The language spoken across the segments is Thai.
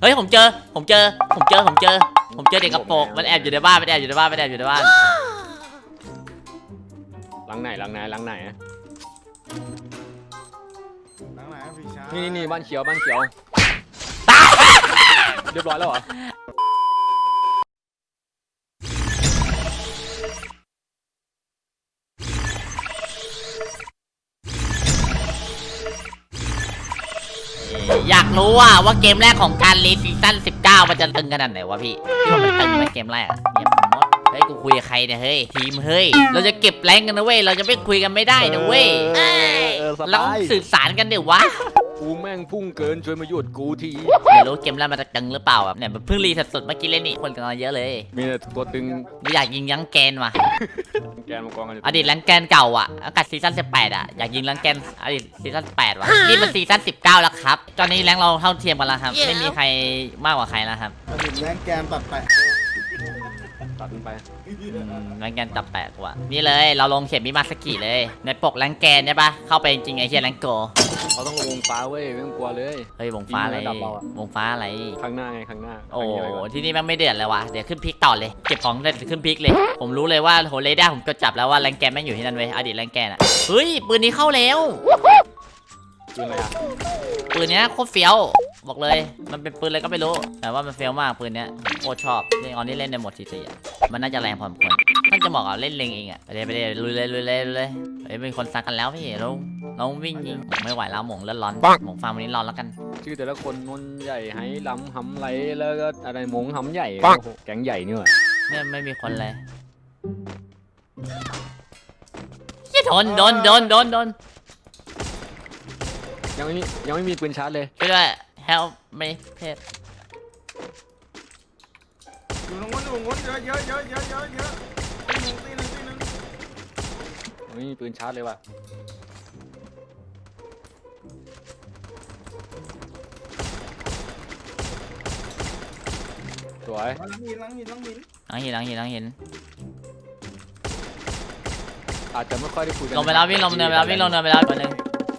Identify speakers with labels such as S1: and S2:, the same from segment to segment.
S1: เฮ้ยผมเจอเด็กกระโปรงมันแอบอยู่ในบ้าน
S2: หลังไหน
S3: หลังไหนพี่ชาย
S2: นี่บ้านเขียวเรียบร้อยแล้วเหรอ
S1: อยากรู้ว่าเกมแรกของการรีซีซั่น19มันจะตึงขนาดไหนวะพี่ว่ามันตึงไหมเกมแรกเงียบหมดเฮ้ยกูคุยกับใครเนี่ยเฮ้ยทีมเฮ้ยเราจะเก็บแรงกันนะเว้ยเราจะไม่คุยกันไม่ได้นะเว้ยเราสื่อสารกันเดี๋ยววะ
S2: กูแม่งพุ่งเกินช่วยมาหยุดกูที
S1: ไม่รู้เกมแรกมันจะตึงหรือเปล่าแบบเนี่ยมันเพิ่งรีสดๆเมื่อกี้เล่นนี่คนกันมาเยอะเลย
S2: มีแต่ตัวตึง
S1: ไม่อยากยิงยั้งแกนว่ะ
S2: แกนมังกรกัน
S1: อดีตแรงแกนเก่าอากาศซีซั่น18อยากยิงแรงแกนอดีตซีซั่น8ว่ะนี่มันซีซั่น19แล้วครับตอนนี้แรงเราเท่าเทียมกันแล้วครับไม่มีใครมากกว่าใครแล้วครับ
S3: อดีตแรงแกนตัดไป
S2: ตัดมันไป
S1: แรงแกนจับแปลกว่ะนี่เลยเราลงเข็มมิมาสกิเลยในปกแรงแกนใช่ปะเข้าไปจริงๆไอ้เฮียแรงโก
S2: เขาต้องลงวงฟ้าเว้ยไม่ต้องกลัวเลย
S1: เฮ้ยวงฟ้าอะไร
S2: ยิงระดับเราอะ
S1: วงฟ้าอะไร
S2: ข้างหน้าไงข้างหน้า
S1: โอ้
S2: ข้างนี้ไว้ก่อน
S1: ที่นี่แม่งไม่เดือดเลยว่ะเดี๋ยวขึ้นพิกต่อเลยเก็บของเสร็จขึ้นพิกเลยผมรู้เลยว่าโหเรด้าผมก็จับแล้วว่าแรงแกนแม่งอยู่ที่นั่นเว้ยอดีตแรงแกนเฮ้ยปืนนี้เข้าแล้ว
S2: ปืนอะไรอ่ะ
S1: ปืนเนี้ยโคตรเฟี้ยวบอกเลยมันเป็นปืนอะไรก็ไม่รู้แต่ว่ามันเฟี้ยวมากปืนเนี้ยโคตรชอบนี่ตอนนี้เล่นในโหมดทีมันน่าจะแรงพอสมควรมันจะเหมาะกับเล่นเลงเองไปเลยลุยเลยเฮ้ยมีคนซักกันแล้วพี่เราวิ่งยิงไม่ไหวแล้วหม่งเลือดร้อนหม่งฟาร์มวันนี้ร้อนแล้วกัน
S2: ชื่อแต่ละคนนนใหญ่ไหหลำหำไหลแล้วก็อะไรมงหำใหญ่โอ้โหแก๊งใหญ่นี่ว่ะ
S1: เนี่ยไม่มีคนเลยโดน
S2: ยังไม่มีปืนชาร์จเลย
S1: ช่วยด้วย help me เพจ
S3: อยู่ตรงนู้นเยอะตีหนึ่ง
S2: ยังไม่มีปืนชาร์จเลยว่ะสวย
S3: หลังหิน
S1: หลังหิน
S2: อาจจะไม่ค่อยได้คุยกัน
S1: ลงไปแล้ววิ่งลงเนินไปแล้วตัวนึง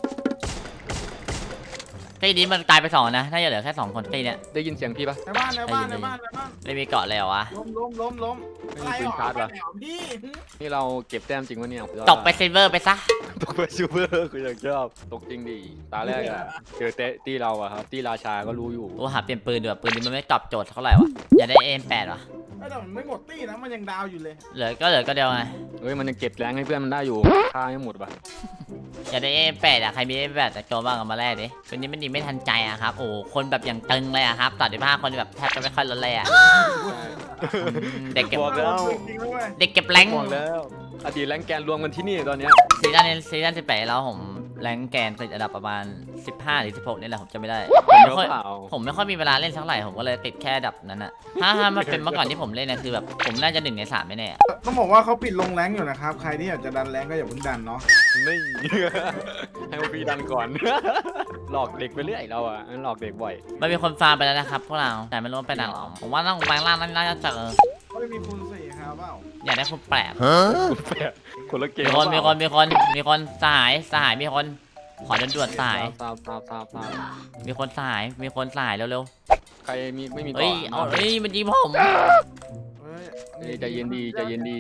S1: ตีนี้มันตายไป2นะถ้าจะเหลือแค่2คนตีเนี้ย
S2: ได้ยินเสียงพี่ปะ
S3: ในบ้าน
S1: ไม่มีเกาะเลยเหรอวะ
S3: ล้ม
S2: ไม่มีปืนชาร์จว่ะ
S3: พี่
S2: นี่เราเก็บแต้มจริงวะเนี่ย
S1: ตกไปซิลเวอร์ไปซะ
S2: ตกไปซูเปอร์คืออย่างชอบตกจริงดิตาแรกอะเจอเตะตีเราอะครับตีราชาก็รู้อยู่
S1: โอ้หาเปลี่ยนปืนดีกว่าปืนนี้มันไม่ตอบโจทย์เท่าไหร่วะอย่าได้ M8 วะ
S3: แต่มันไม่หมดตีนะมันยังดาวอยู่เลย
S1: เหลือก็เดียวไง
S2: เฮ้ยมันยังเก็บแรงให้เพื่อนมันได้อยู่ค่าไม่หมดปะ
S1: อย่าได้ M8 ใครมี M8 แต่โจบ้างเอามาแลกดิปืนนี้มันดีไม่ทันใจครับโอ้คนแบบอย่างตึงเลยครับ35คนแบบแทบจะไม่ค่อยลดเลยเด็กเก็บ
S2: บอกแล้ว
S3: จริงด้วย
S1: เด็กเก็บแรง
S2: บอกแล้วอดีตแรงแกนรวมกันที่นี่ตอนเนี้ย
S1: ซีซั่น18แล้วผมแรงแกนติดอันดับประมาณ15หรือ16นี่แหละผมจะไม่ได้
S2: เดี๋ยวเปล่า
S1: ผมไม่ค่อยมีเวลาเล่นสักเท่าไหร่ผมก็เลยติดแค่อันดับนั้นอะถ้ามันเป็นเมื่อก่อนที่ผมเล่นนะคือแบบผมน่าจะ1 ใน 3ไม่แน่
S3: ต้องบอกว่าเขาปิดลงแรงอยู่นะครับใครที่อยากจะดันแรงก็อย่าเพิ่งดันเนาะ
S2: ไม่ให้พวกพี่ดันก่อน หลอกเด็กไปเรื่อยเราอะหลอกเด็กบ่อย
S1: มันมีคนฟาร์มไปแล้วนะครับพวกเราแต่ไม่รู้ว่าไปไหนหรอผมว่าต้องแบงล่างน่าจะเจอ
S3: เขาไม่มีคูณ4ครับเปล่า
S1: อยากได้คนแปลก
S2: คุณแปะคนละเกม
S1: มีคนสหายมีคนขอด่วนๆสหาย
S2: ทราบ
S1: มีคนสหายเร็ว
S2: ใครมีไม่มี
S1: ๆ
S2: ต่
S1: เฮ้
S2: อย
S1: เอาเฮ้ยมันยิงผม
S3: เฮ้ย
S2: ใจเย็นดี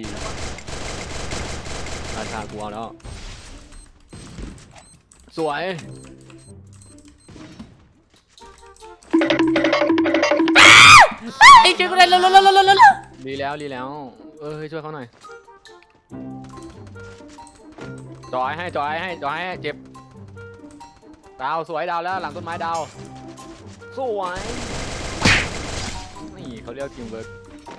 S2: ราชากูเอาแล้วสวย
S1: ไอ้ช่วยกูได้เร็ว
S2: ดีแล้วเฮ้ยช่วยเขาหน่อยจอยให้เจ็บดาวสวยดาวแล้วหลังต้นไม้ดาวสวยนี่เขาเรียกทีมเวิร์ก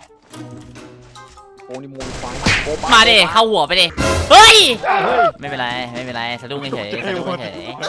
S2: โอ้นี่มวยฟัง
S1: มาดิเข้าหัวไปดิเฮ้ยไม่เป็นไรสะดุ้งเฉยทำให้ผม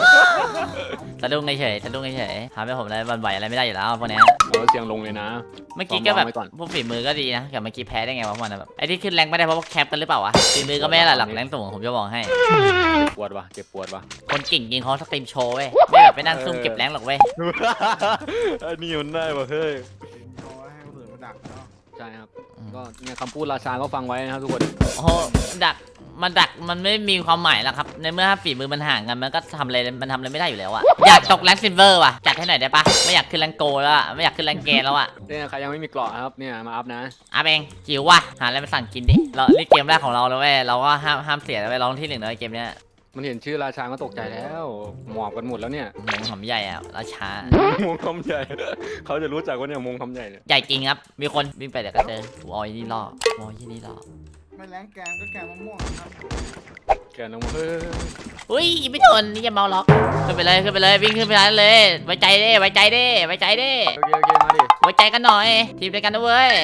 S1: เลยวันไหวอะไรไม่ได้อยู่แล้วพวกนี้
S2: เสียงลงเลยนะ
S1: เมื่อกี้ก็แบบ
S2: วางไว้ก่อน
S1: พวกฝีมือก็ดีนะแต่เมื่อกี้แพ้ได้ไงวะมันแบบไอ้ที่ขึ้นแรงไม่ได้เพราะว่าแคปกันหรือเปล่าวะฝีมือก็ไม่ได้หรอกแรงสูงผมจะบอกให้
S2: เจ็บปวดวะ
S1: คนเก่งจริงเขาสตรีมโชว์เว้ยไม่แบบไปนั่งซุ่มเก็บแรงหรอกเว้ย
S2: อันนี้มันได้ป่ะเฮ้ย
S3: เอาไว้ให้คนอื่นมาดักเนาะ
S2: ใช่ครับก็เนี่ยคำพูดราชาก็ฟังไว้นะครับทุกคน
S1: โอ้โหดักมันดักมันไม่มีความหมายแล้วครับในเมื่อฝีมือมันห่างกันมันก็ทำอะไรไม่ได้อยู่แล้วอะอยากตกแรงซิลเวอร์ว่ะจัดให้หน่อยได้ปะไม่อยากขึ้นแรงโกแล้วอะไม่อยากขึ้นแรงเกนแล้วอะ
S2: เนี่ยใครยังไม่มีเกราะครับเนี่ยมาอัพนะ
S1: อาเองจิ๋วว่ะหาอะไรมาสั่งกินดิเรานี่เกมแรกของเราแล้วเว้ยเราก็ห้ามเสียแล้วเว้ยร้องที่ 1เลยเกมเนี้ย
S2: มันเห็นชื่อราชาก็ตกใจแล้วหมอบกันหมดแล้วเนี่ย
S1: มงหอมใหญ่อะราชาม
S2: งคำใหญ่ เขาจะรู้จักว่าเนี่ยมงคำใหญ่เนี่ย
S1: ใหญ่จริงครับมีคนวิ่งไปเดี๋ยวก็เจอกูเอาไอ้นี่ล่อกูเอาไอ้นี่ล่อ
S3: ไม่แรงแกงก็แกงมะม่วงครับ
S2: แกน้องมาเฮ้ย
S1: อุ้ยไม่ทนนี่จะเมาล็อกขึ้นไปเลยวิ่งขึ้นไปเลยไว้ใจเด้ไว้ใจเด้ไว้ใจเด้
S2: โอเคมาดิ
S1: ไว้ใจกันหน่อยทีมเดียวกันนะเว้ย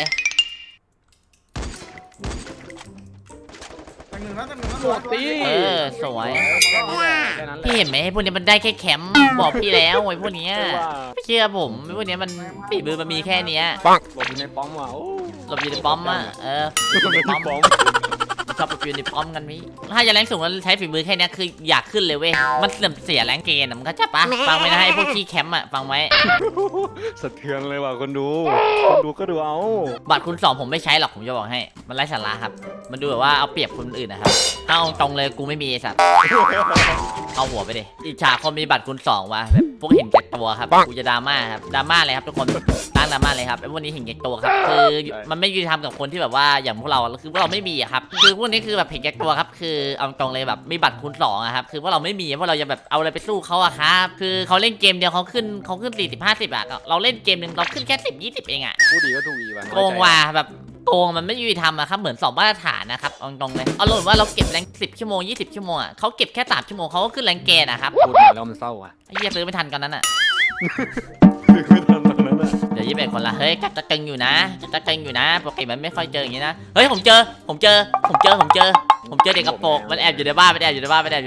S3: แต่หนึ่งแล้วแต่หนึ่งแล้ว
S2: โดดตี
S1: เออสวย
S2: แค่นั้นแหละ
S1: พี่เห็นไหมไอ้พวกนี้มันได้แค่แคมป์บอกพี่แล้วไอ้พวกเนี้ยไม่เชื่อผมไอ้พวกเนี้ยมันฝีมือมันมีแค่เนี้ย
S2: ปังหลบอยู่ในป้อมว่ะโอ้
S1: หลบอยู่ในป้อมอ่ะหลบอยู่ในป้อม
S2: ป้อม
S1: ชอบหลบอยู่ในป้อมกันมิถ้าจะแรงสูงแล้วใช้ฝีมือแค่เนี้ยคืออยากขึ้นเลยเว้ยมันเสื่อมเสียแรงเกณฑ์อะมันก็จะปะฟังไว้นะไอ้พวกขี้แคมป์อ่ะฟังไว้
S2: สะเทือนเลยว่ะคนดูก็ดูเอา
S1: บัตรคุณ2ผมไม่ใช้หรอกผมจะบอกให้มันไร้สาระครับมันดูแบบว่าเอาเปรียบคนอื่นนะครับถ้าเอาตรงเลยกูไม่มีไอ้สัตว์เอาหัวไปดิอิจฉาคนมีบัตรคุณ2ว่ะแบบพวกเห็นแก่ตัวครับกูจะดราม่าครับดราม่าเลยครับทุกคนตั้งดราม่าเลยครับไอ้พวกนี้เห็นแก่ตัวครับคือมันไม่ยุติธรรมกับคนที่แบบว่าอย่างพวกเราคือพวกเราไม่มีอะครับคือพวกนี้คือแบบเห็นแก่ตัวครับคือเอาตรงเลยแบบมีบัตรคูณ2อะครับคือพวกเราไม่มีพวกเราจะแบบเอาอะไรไปสู้เขาอะครับคือเขาเล่นเกมเดียวเขาขึ้น40-50อะเราเล่นเกมนึงเราขึ้นแค่10-20เองอะ
S2: ผู้ดีก็ถูกอีว่ะ
S1: โกงว่ะแบบโกงมันไม่ยุติธรรมอะครับเหมือน2มาตรฐานนะครับเอาตรงเลยเอาลงว่าเราเก็บแรง10 ชั่วโมง20 ชั่วโมงอะเขาเก็บแค่3 ชั่วโมงเขาก็ขึ้นแรงเกณฑ์นะครับ
S2: พูดมาแล้วมันเศร้าว่ะ
S1: ไอ้เหี้ยซื้อไม่ทันกันนั้นอะ
S2: ไม่ทันตรงนั้นอ่ะ
S1: เดี๋ยว21 คนละเฮ้ยจัดตึงอยู่นะจัดตึงอยู่นะปกติมันไม่ค่อยเจออย่างนี้นะเฮ้ยผมเจอเด็กกระโปรงมันแอบอยู่ในบ้าน
S2: หลังไหนอะ
S3: หลังไหน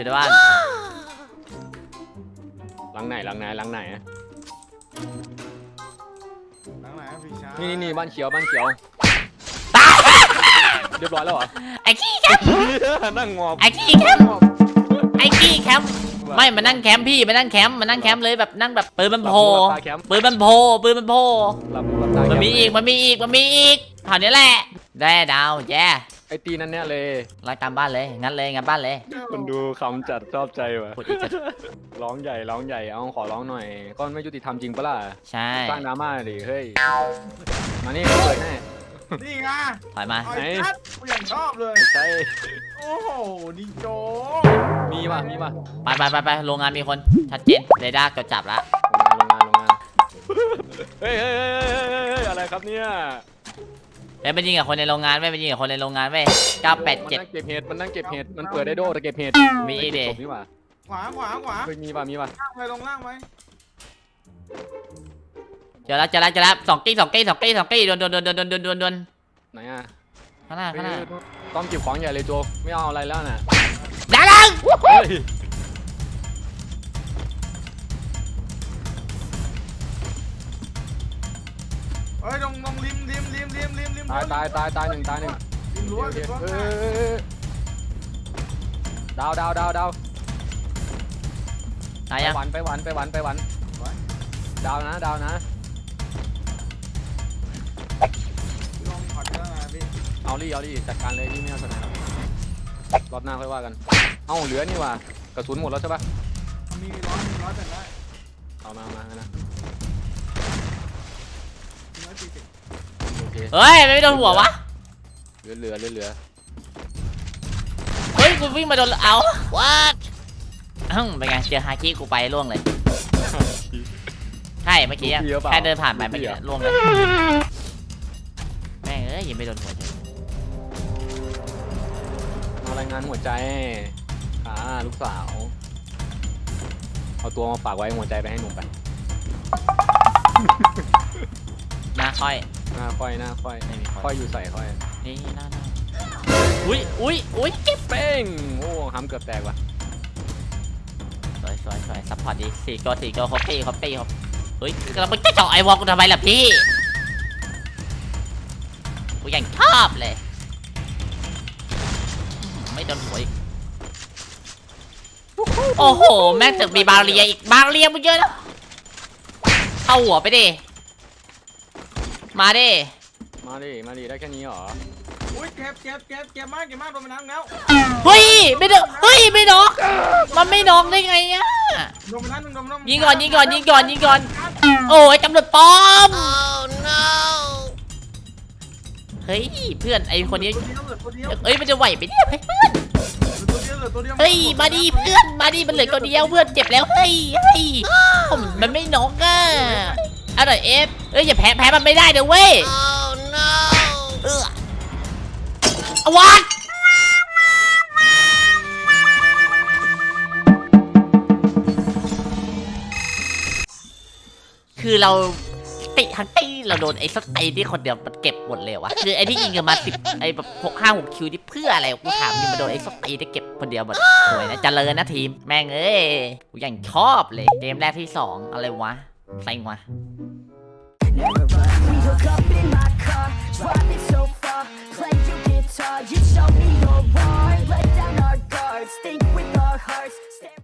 S3: พี่ชาย
S2: นี่บ้านเขียวเรียบร้อยแล้วเหรอ
S1: ไอ้ขี้แคมป์
S2: นั่งงอบ
S1: ไอ้ขี้แคมป์ไม่มานั่งแคมป์พี่มานั่งแคมป์เลยแบบนั่งแบบปืนมันโผล่
S2: ตาแคมป์
S1: ปืนมันโผล่
S2: หลับตาแค
S1: มัน
S2: ป์
S1: มีอีกเท่านี้แหละได้ดาวแย่
S2: ไอตีนั่นเนี่ยเลย
S1: ไล่ตามบ้านเลยงั้นบ้านเลย
S2: มันดูคำจัดชอบใจว่ะ
S1: พูดอีกจะ
S2: ร้องใหญ่เอาขอร้องหน่อยก็ไม่ยุติธรรมจริงปะล่ะ
S1: ใช่
S2: สร้างดราม่าดิเฮ้ยมานี่เปิดให้
S3: นี่ไง
S1: ถอยมา
S3: ไอ้ชัดกูอย่างชอบเลย
S2: ใช่
S3: โอ้โหดิโจ
S2: มีป่ะ
S1: ไปโรงงานมีคนชัดเจนเรดาร์จดจับละ
S2: โรงงานเฮ้ยอะไรครับเนี่ย
S1: ไปยิงกับคนในโรงงานไม่ไปยิงกับคนในโรงงานเว้ย
S2: มันนั่งเก็บเห็ดมันเปิดได้โดแต่เก็บเห็ด
S1: มีอีกดิ
S2: นี่ว่ะ
S3: ขวา
S2: เฮ้ยมีป่ะ
S3: ล่างไปลงล่างไว้
S1: เจอแล้ว2 กี้โดน
S2: ไหนอ่ะ
S1: ข้างหน้า
S2: ต้องเก็บของใหญ่เลยโจไม่เอาอะไรแล้วน่ะ
S1: ดาลัง
S2: เฮ้ย
S3: เฮ้ยลงริม
S2: ตายหนึ่ง
S3: ริมรั้วริมรั้ว
S2: ดาว
S1: ตายยัง
S2: ไปหวันดาวนะ
S3: ลงขอดแล้วนะพี่
S2: เอาดิจัดการเลยที่ไม่เอาสนามรอบหน้าค่อยว่ากันเอ้าเหลือนี่ว่ะกระสุนหมดแล้วใช่ปะ
S3: มีร้อยแต่ได้
S2: เอามานะ
S3: 140
S2: โอเค
S1: เฮ้ยไม่โดนหัววะ
S2: เหลือ
S1: เฮ้ยกูวิ่งมาโดนเอา what เป็นไงเจอฮาคิกูไปล่วงเลยใช่เมื่อกี้แค่เดินผ่านไปเมื่อกี้ล่วงเลยแม่งยังไม่โดนหัวเฉย
S2: มารายงานหัวใจลูกสาวเอาตัวมาฝากไว้หัวใจไปให้หนุ่มไป
S1: หน้าค่อย
S2: หน้าค่อย
S1: ไม่มีค่
S2: ค่
S1: อ
S2: อย ยอยู่ใส่ค่อย
S1: นี่หน้าอุ้ยเก็บ
S2: เป้งโอ้ห้ำเกือบแตกว่ะ
S1: สวยซัพพอร์ตดี4 ตัวคอปปี้เฮ้ยเราไปเจาะไอวอลกูทำไมล่ะพี่กูยังชอบเลยไม่โดนหัวอีกโอ้โหแม่งตึกมีบาเรียอีกบาเรียมันเยอะนะเข้าหัวไปดิมาดิ
S2: มาดิได้แค่นี้เหรอ
S3: อุ้ยเจ็บมากโดนไปน้ำแล้ว
S1: เฮ้ยไม่ได้เฮ้ยไม่น็อกมันไม่น็อกได้ไงอะ
S3: โดนไปน้ำหนึ่งโดนไปน้ำ
S1: ยิงก่อนโอ้ยตำรวจปลอมเฮ้ยเพื่อนไอคนนี้
S3: ตัวเดียว
S1: เอ้ยมันจะไหวไปเนี่ยเพื่อน
S3: ตัวเดียว
S1: เฮ้ยมาดิเพื่อนมาดิมันเหลือตัวเดียวเพื่อนเจ็บแล้วเฮ้ยผมมันไม่น็อกอะอร่อยเอฟเอ้ยอย่าแพ้มันไม่ได้เดี๋ยวเว้ยเอาวัดคือเราติทั้งตีเราโดนไอ้สไตล์ที่คนเดียวมันเก็บหมดเลยวะคือไอ้ที่ยิงกันมา10ไอ้แบบ6-5-6 คิวที่เพื่ออะไรกูถามยิงมาโดนไอ้สไตล์ที่เก็บคนเดียวหมดสวยนะเจริญนะทีมแม่งเอ้ยกูยังชอบเลยเกมแรกที่2อะไรวะใส่วะ
S4: We hook up in my car, driving